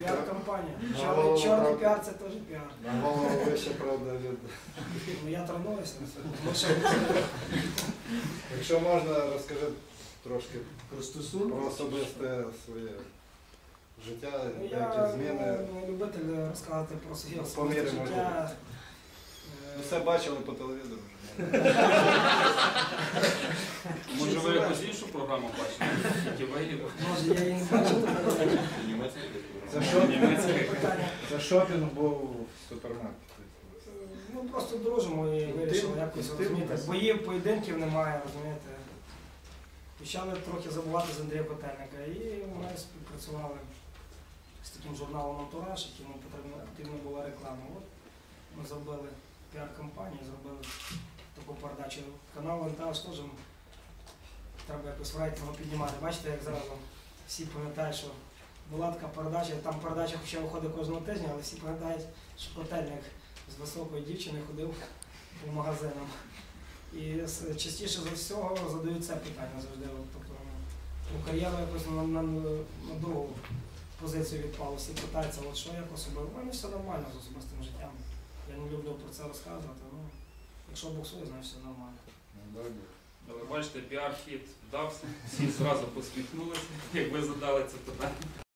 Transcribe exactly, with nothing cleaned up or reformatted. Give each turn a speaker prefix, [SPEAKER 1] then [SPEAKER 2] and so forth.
[SPEAKER 1] Піар-компанія.
[SPEAKER 2] На
[SPEAKER 1] Чорний,
[SPEAKER 2] голову,
[SPEAKER 1] чорний
[SPEAKER 2] правда.
[SPEAKER 1] піар це теж піар.
[SPEAKER 2] На голову вище, правда, від...
[SPEAKER 1] Ну я тренуюся. Тому що
[SPEAKER 2] Якщо можна, розкажи трошки
[SPEAKER 3] Про стосунки?
[SPEAKER 2] про особисте своє життя,
[SPEAKER 1] ну,
[SPEAKER 2] які
[SPEAKER 1] я
[SPEAKER 2] зміни.
[SPEAKER 1] ну, любитель розказати про своє
[SPEAKER 2] Ну,
[SPEAKER 1] особисте
[SPEAKER 2] по мірі
[SPEAKER 1] життя. Е,
[SPEAKER 2] Все бачили по телевізору вже.
[SPEAKER 4] Може ви якусь іншу програму бачили? Тільки ви
[SPEAKER 1] Може я її не бачив,
[SPEAKER 2] Це шопінг,
[SPEAKER 4] німецький.
[SPEAKER 1] питання.
[SPEAKER 2] це шопінг був в супермаркеті.
[SPEAKER 1] Ну просто дружимо і вирішили якось
[SPEAKER 2] Ти-
[SPEAKER 1] розуміти.
[SPEAKER 2] ти-
[SPEAKER 1] Боїв, поєдинків немає, розумієте. Почали трохи забувати з Андрія Котельника і ми співпрацювали з таким журналом «Антураж», якому потрібна потрібна була реклама. От ми зробили піар-кампанію, зробили таку передачу. Канал «Антураж» теж треба якось в рейтингу піднімати. Бачите, як зразу всі пам'ятають, що була така передача, там передача хоча виходить кожного тижня, але всі пам'ятають, що Котельник з високою дівчиною ходив по магазинам. І с- частіше за всього задають це питання завжди. От, тобто, ну, кар'єру якось на, на, на другу позицію відпало. Всі питаються, от що як особливо. У мене все нормально з особистим життям. Я не люблю про це розказувати. Ну, якщо боксую, значить все нормально.
[SPEAKER 4] Але бачите, піар-хід вдався, всі зразу посміхнулися, як ви задали це питання.